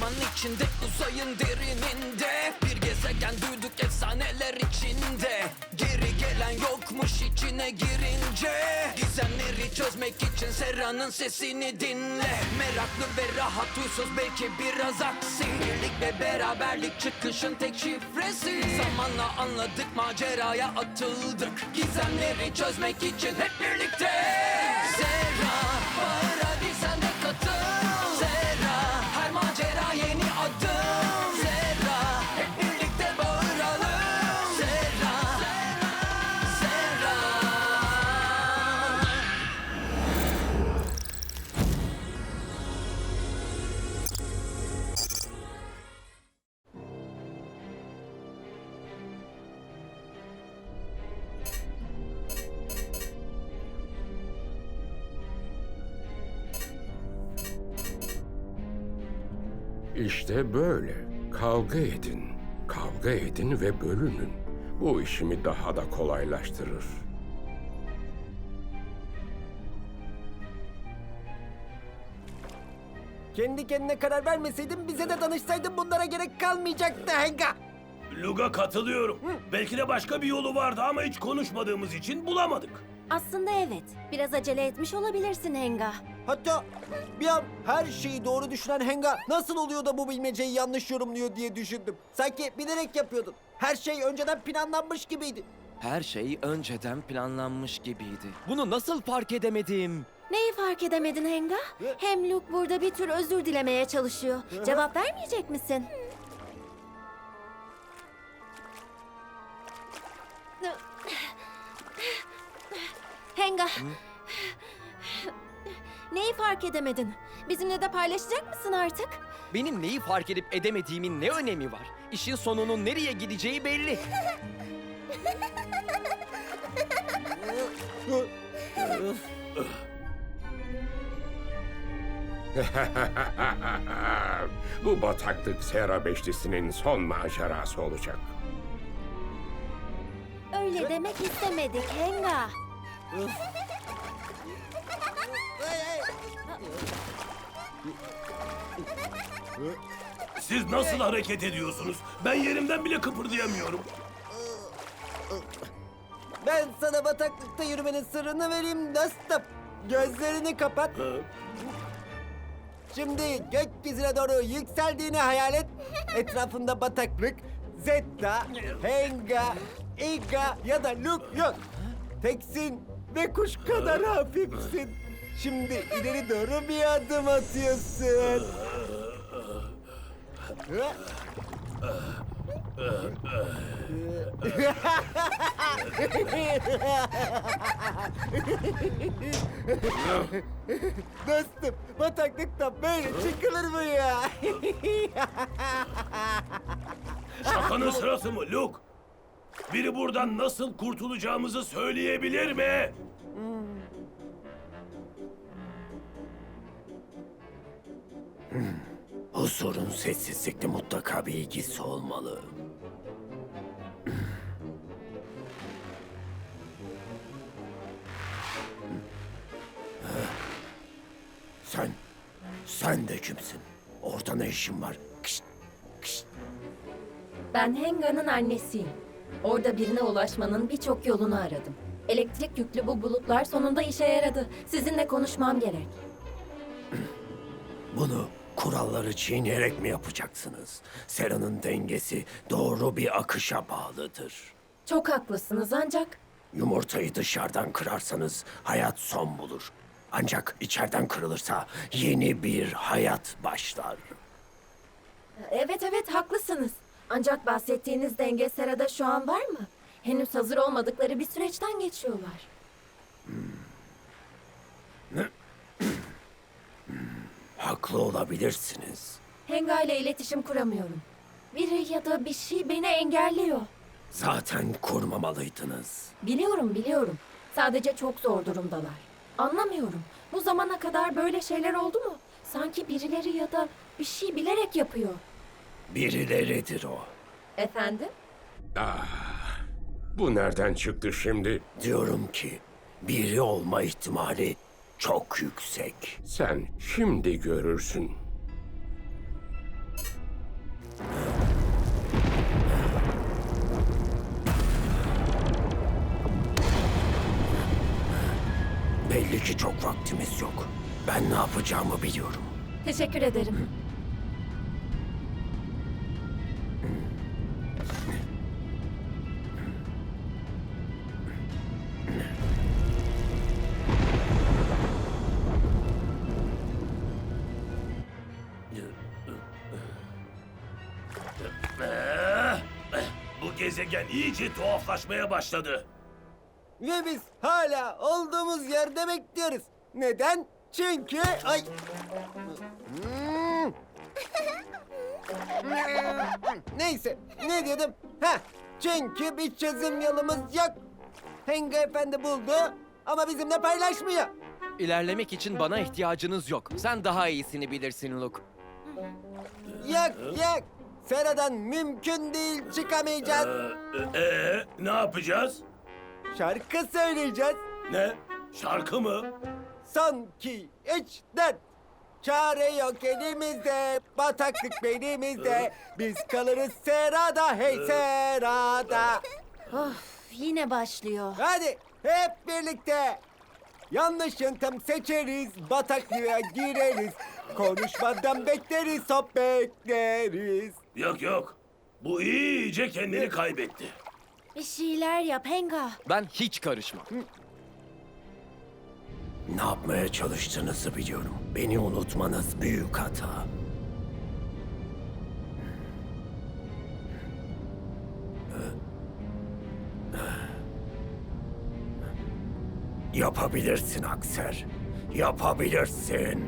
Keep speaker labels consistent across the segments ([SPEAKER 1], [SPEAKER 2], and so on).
[SPEAKER 1] zaman içinde, uzayın derininde bir gezegen duyduk efsaneler içinde. Geri gelen yokmuş içine girince. Gizemleri çözmek için Sera'nın sesini dinle. Meraklı ve rahat, huysuz, belki biraz aksi. Birlik ve beraberlik çıkışın tek şifresi. Zamanla anladık, maceraya atıldık. Gizemleri çözmek için hep birlikte. Sera, bağır hadi sen de katıl. Sera, her macera yeni adım. Sera, hep birlikte bağıralım. Sera, Sera.
[SPEAKER 2] İşte böyle. Kavga edin. Kavga edin ve bölünün. Bu işimi daha da kolaylaştırır.
[SPEAKER 3] Kendi kendine karar vermeseydin bize de danışsaydın bunlara gerek kalmayacaktı Henga.
[SPEAKER 4] Lug'a katılıyorum. Belki de başka bir yolu vardı ama hiç konuşmadığımız için bulamadık.
[SPEAKER 5] Aslında evet. Biraz acele etmiş olabilirsin Henga.
[SPEAKER 3] Hatta bir an her şeyi doğru düşünen Henga nasıl oluyor da bu bilmeceyi yanlış yorumluyor diye düşündüm. Sanki bilerek yapıyordun. Her şey önceden planlanmış gibiydi.
[SPEAKER 1] Her şey önceden planlanmış gibiydi. Bunu nasıl fark edemedim?
[SPEAKER 5] Neyi fark edemedin Henga? Hem Luke burada bir tür özür dilemeye çalışıyor. Cevap vermeyecek misin? Henga. Neyi fark edemedin? Bizimle de paylaşacak mısın artık?
[SPEAKER 1] Benim neyi fark edip edemediğimin ne önemi var? İşin sonunun nereye gideceği belli.
[SPEAKER 2] Bu bataklık Sera Beşlisi'nin son macerası olacak.
[SPEAKER 5] Öyle demek istemedik Henga.
[SPEAKER 4] Siz nasıl hareket ediyorsunuz? Ben yerimden bile kıpırdayamıyorum.
[SPEAKER 3] Ben sana bataklıkta yürümenin sırrını vereyim dostum. Gözlerini kapat. Şimdi gökyüzüne doğru yükseldiğini hayal et. Etrafında bataklık, Zeta, Henga, Iga ya da Luke yok. Teksin ve kuş kadar hafifsin. Şimdi ileri doğru bir adım atıyorsun. Dostum, bataklıktan böyle çıkılır mı ya?
[SPEAKER 4] Şakanın sırası mı Luke? Biri buradan nasıl kurtulacağımızı söyleyebilir mi?
[SPEAKER 6] Bu sorun sessizlikle mutlaka bir ilgisi olmalı. Sen de kimsin? Orada ne işin var? Kışt, kışt.
[SPEAKER 5] Ben Henga'nın annesiyim. Orada birine ulaşmanın birçok yolunu aradım. Elektrik yüklü bu bulutlar sonunda işe yaradı. Sizinle konuşmam gerek.
[SPEAKER 6] Bunu kuralları çiğneyerek mi yapacaksınız? Sera'nın dengesi doğru bir akışa bağlıdır.
[SPEAKER 5] Çok haklısınız ancak...
[SPEAKER 6] Yumurtayı dışarıdan kırarsanız hayat son bulur. Ancak içeriden kırılırsa yeni bir hayat başlar.
[SPEAKER 5] Evet haklısınız. Ancak bahsettiğiniz denge Sera'da şu an var mı? Henüz hazır olmadıkları bir süreçten geçiyorlar.
[SPEAKER 6] Haklı olabilirsiniz.
[SPEAKER 5] Henga ile iletişim kuramıyorum. Biri ya da bir şey beni engelliyor.
[SPEAKER 6] Zaten kurmamalıydınız.
[SPEAKER 5] Biliyorum. Sadece çok zor durumdalar. Anlamıyorum. Bu zamana kadar böyle şeyler oldu mu? Sanki birileri ya da bir şey bilerek yapıyor.
[SPEAKER 6] Birileridir o.
[SPEAKER 5] Efendim?
[SPEAKER 2] Bu nereden çıktı şimdi?
[SPEAKER 6] Diyorum ki biri olma ihtimali çok yüksek.
[SPEAKER 2] Sen şimdi görürsün.
[SPEAKER 6] Belli ki çok vaktimiz yok. Ben ne yapacağımı biliyorum.
[SPEAKER 5] Teşekkür ederim.
[SPEAKER 4] Bu gezegen iyice tuhaflaşmaya başladı.
[SPEAKER 3] Ve biz hala olduğumuz yerde bekliyoruz. Neden? Çünkü... Ay! Neyse, ne diyordum? Ha, çünkü bir çözüm yolumuz yok. Henga Efendi buldu ama bizimle paylaşmıyor.
[SPEAKER 1] İlerlemek için bana ihtiyacınız yok. Sen daha iyisini bilirsin Luke.
[SPEAKER 3] Yok. Sera'dan mümkün değil çıkamayacağız.
[SPEAKER 4] Ne yapacağız?
[SPEAKER 3] Şarkı söyleyeceğiz.
[SPEAKER 4] Ne? Şarkı mı?
[SPEAKER 3] Son 2, 3, 4. Çare yok elimizde, bataklık belimizde. Biz kalırız Serada, hey Serada.
[SPEAKER 5] Yine başlıyor.
[SPEAKER 3] Hadi hep birlikte. Yanlış yöntem seçeriz, bataklığa gireriz. Konuşmadan bekleriz, hop bekleriz.
[SPEAKER 4] Yok. Bu iyice kendini kaybetti.
[SPEAKER 5] Bir şeyler yap Henga.
[SPEAKER 1] Ben hiç karışmam.
[SPEAKER 6] Ne yapmaya çalıştığınızı biliyorum. Beni unutmanız büyük hata. Yapabilirsin Akser. Yapabilirsin.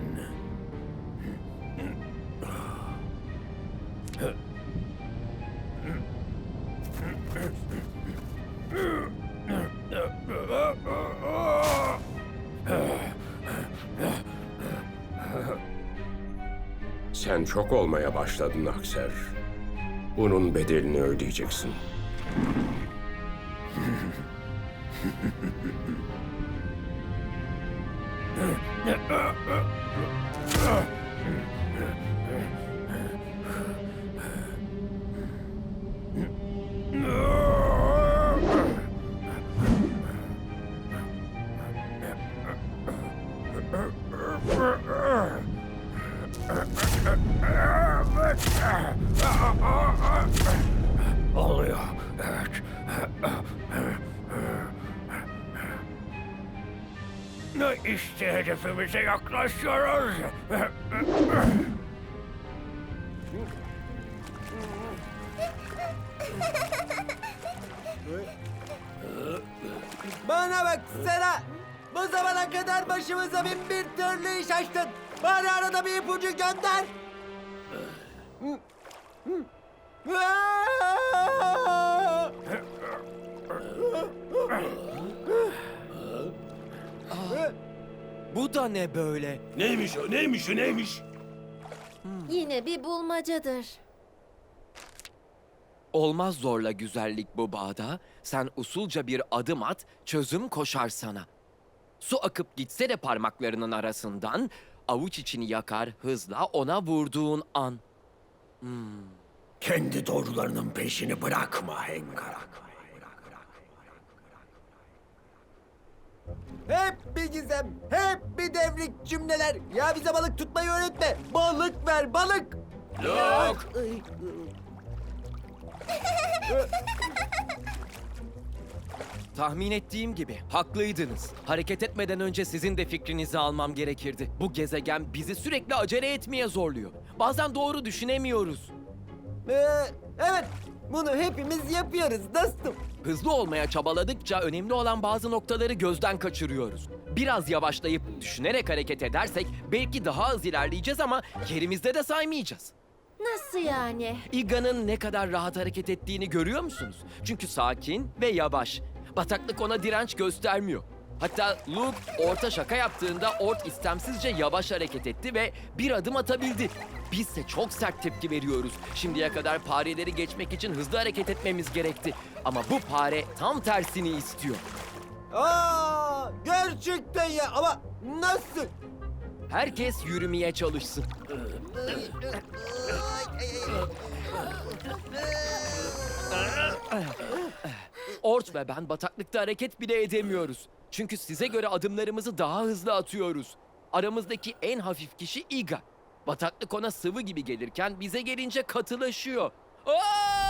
[SPEAKER 2] Sen çok olmaya başladın Akser. Bunun bedelini ödeyeceksin.
[SPEAKER 6] Oluyor. Evet. İşte hedefimize yaklaşıyoruz.
[SPEAKER 3] Bana bak Sera. Bu zamana kadar başımıza bin bir türlü iş açtın. Bari arada bir ipucu gönder.
[SPEAKER 1] Bu da ne böyle?
[SPEAKER 4] Neymiş o? Neymiş?
[SPEAKER 5] Yine bir bulmacadır.
[SPEAKER 1] Olmaz zorla güzellik bu bağda. Sen usulca bir adım at, çözüm koşar sana. Su akıp gitse de parmaklarının arasından, avuç içini yakar hızla ona vurduğun an.
[SPEAKER 6] Kendi doğrularının peşini bırakma Hengar.
[SPEAKER 3] Hep bir gizem, hep bir devrik cümleler. Ya bize balık tutmayı öğretme. Balık ver, balık.
[SPEAKER 4] Yok.
[SPEAKER 1] Tahmin ettiğim gibi haklıydınız. Hareket etmeden önce sizin de fikrinizi almam gerekirdi. Bu gezegen bizi sürekli acele etmeye zorluyor. Bazen doğru düşünemiyoruz.
[SPEAKER 3] Evet, bunu hepimiz yapıyoruz dostum.
[SPEAKER 1] Hızlı olmaya çabaladıkça önemli olan bazı noktaları gözden kaçırıyoruz. Biraz yavaşlayıp düşünerek hareket edersek belki daha az ilerleyeceğiz ama yerimizde de saymayacağız.
[SPEAKER 5] Nasıl yani?
[SPEAKER 1] Iga'nın ne kadar rahat hareket ettiğini görüyor musunuz? Çünkü sakin ve yavaş. Bataklık ona direnç göstermiyor. Hatta Luke Ort'a şaka yaptığında Ort istemsizce yavaş hareket etti ve bir adım atabildi. Bizse çok sert tepki veriyoruz. Şimdiye kadar fareleri geçmek için hızlı hareket etmemiz gerekti. Ama bu fare tam tersini istiyor.
[SPEAKER 3] Gerçekten ya ama nasıl?
[SPEAKER 1] Herkes yürümeye çalışsın. Ort ve ben bataklıkta hareket bile edemiyoruz.
[SPEAKER 7] Çünkü size göre adımlarımızı daha hızlı atıyoruz. Aramızdaki en hafif kişi Iga. Bataklık ona sıvı gibi gelirken bize gelince katılaşıyor. Aa!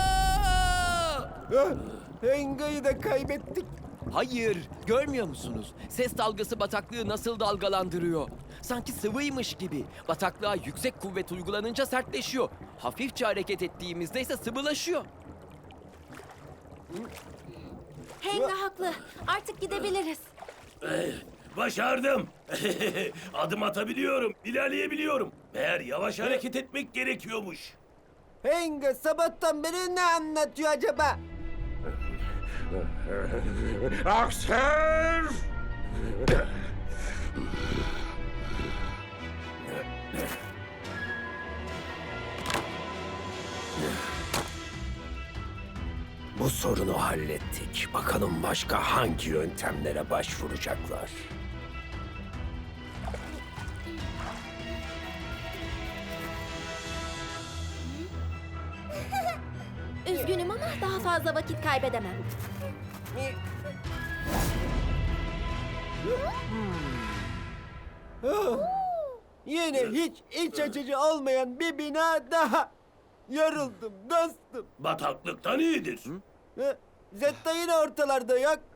[SPEAKER 3] Ah, Henga'yı da kaybettik.
[SPEAKER 7] Hayır, görmüyor musunuz? Ses dalgası bataklığı nasıl dalgalandırıyor? Sanki sıvıymış gibi. Bataklığa yüksek kuvvet uygulanınca sertleşiyor. Hafifçe hareket ettiğimizde ise sıvılaşıyor.
[SPEAKER 5] Henga haklı. Artık gidebiliriz.
[SPEAKER 4] Başardım. Adım atabiliyorum, ilerleyebiliyorum. Meğer yavaş hareket etmek gerekiyormuş.
[SPEAKER 3] Henga sabahtan beri ne anlatıyor acaba?
[SPEAKER 2] Aksel!
[SPEAKER 6] Bu sorunu hallettik. Bakalım başka hangi yöntemlere başvuracaklar?
[SPEAKER 5] Üzgünüm ama daha fazla vakit kaybedemem.
[SPEAKER 3] Ah, yine hiç iç açıcı olmayan bir bina daha. Yoruldum dostum.
[SPEAKER 4] Bataklıktan iyidir.
[SPEAKER 3] Zetta yine ortalarda yok.